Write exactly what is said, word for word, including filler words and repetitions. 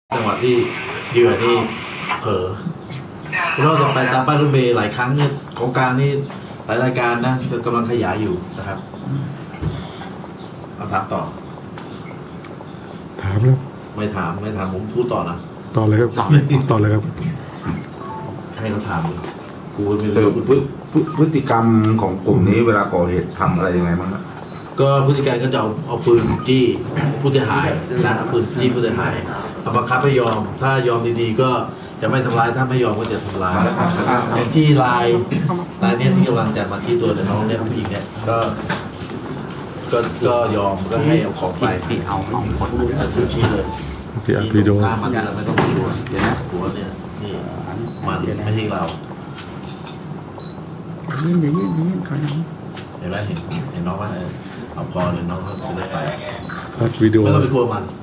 จังหวะที่เหยื่อนี่เผลอเราจะไปตามป้ายรถเมล์หลายครั้งเนี่ยของกลางนี่หลายรายการนะจะกำลังขยายอยู่นะครับเอาถามต่อถามแล้วไม่ถามไม่ถามผมพูดต่อนะต่อเลยครับต่อเลยครับให้เขาถามกูไม่รู้พฤติกรรมของกลุ่มนี้เวลาก่อเหตุทำอะไรยังไงบ้างครับก็พฤติการก็จะเอาเอาปืนจี้ผู้เสียหายนะเอาปืนจี้ผู้เสียหายเอาบังคับให้ยอมถ้ายอมดีๆก็จะไม่ทำร้ายถ้าไม่ยอมก็จะทำร้ายอย่างที่ลายลายเนี้ยที่กำลังจะมาที่ตัวน้องเนี่ยผู้หญิงเนี่ยก็ก็ก็ยอมก็ให้เอาของไปที่เอาน้องคนทุกชี้เลยที่อัดวิดีโอหน้ามันเราไม่ต้องดูเดี๋ยวนะหัวเนี่ยนี่มันไม่ใช่เราเห็นเห็นเห็นใครเห็นไหมเห็นเห็นน้องว่าเอาพอเลยน้องเขาจะได้ไปอัดวิดีโอไม่ต้องไปกลัวมัน